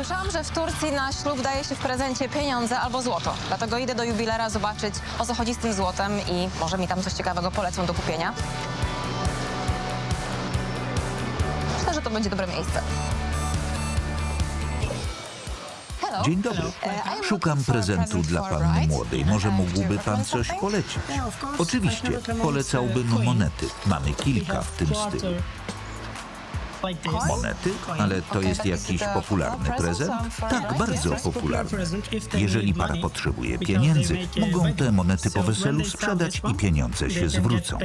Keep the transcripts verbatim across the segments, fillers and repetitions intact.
Słyszałam, że w Turcji na ślub daje się w prezencie pieniądze albo złoto. Dlatego idę do jubilera zobaczyć, o co chodzi z tym złotem i może mi tam coś ciekawego polecą do kupienia. Myślę, że to będzie dobre miejsce. Hello. Dzień dobry. E, Szukam prezentu dla panny młodej. Może mógłby pan coś polecić? Oczywiście. Polecałbym monety. Mamy kilka w tym stylu. Monety? Ale to jest jakiś popularny prezent? Tak, bardzo popularny. Jeżeli para potrzebuje pieniędzy, mogą te monety po weselu sprzedać i pieniądze się zwrócą.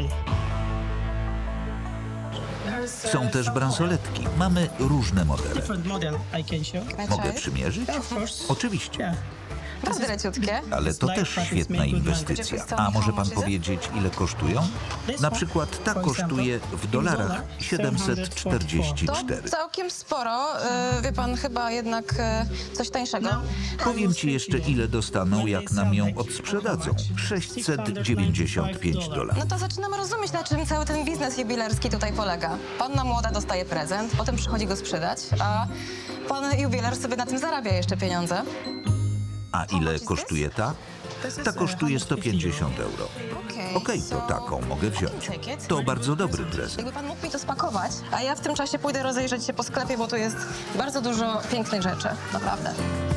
Są też bransoletki. Mamy różne modele. Mogę przymierzyć? Oczywiście. Bardzo leciutkie. Ale to też świetna inwestycja. A może pan powiedzieć, ile kosztują? Na przykład ta kosztuje w dolarach siedemset czterdzieści To cztery. całkiem sporo. Yy, wie pan, chyba jednak yy, coś tańszego. Powiem ci jeszcze, ile dostaną, jak nam ją odsprzedadzą. sześćset dziewięćdziesiąt pięć dolarów. No to zaczynam rozumieć, na czym cały ten biznes jubilerski tutaj polega. Panna młoda dostaje prezent, potem przychodzi go sprzedać, a pan jubiler sobie na tym zarabia jeszcze pieniądze. A ile kosztuje ta? Ta kosztuje sto pięćdziesiąt euro. Okej, to taką mogę wziąć. To bardzo dobry prezent. Jakby pan mógł mi to spakować, a ja w tym czasie pójdę rozejrzeć się po sklepie, bo tu jest bardzo dużo pięknych rzeczy, naprawdę.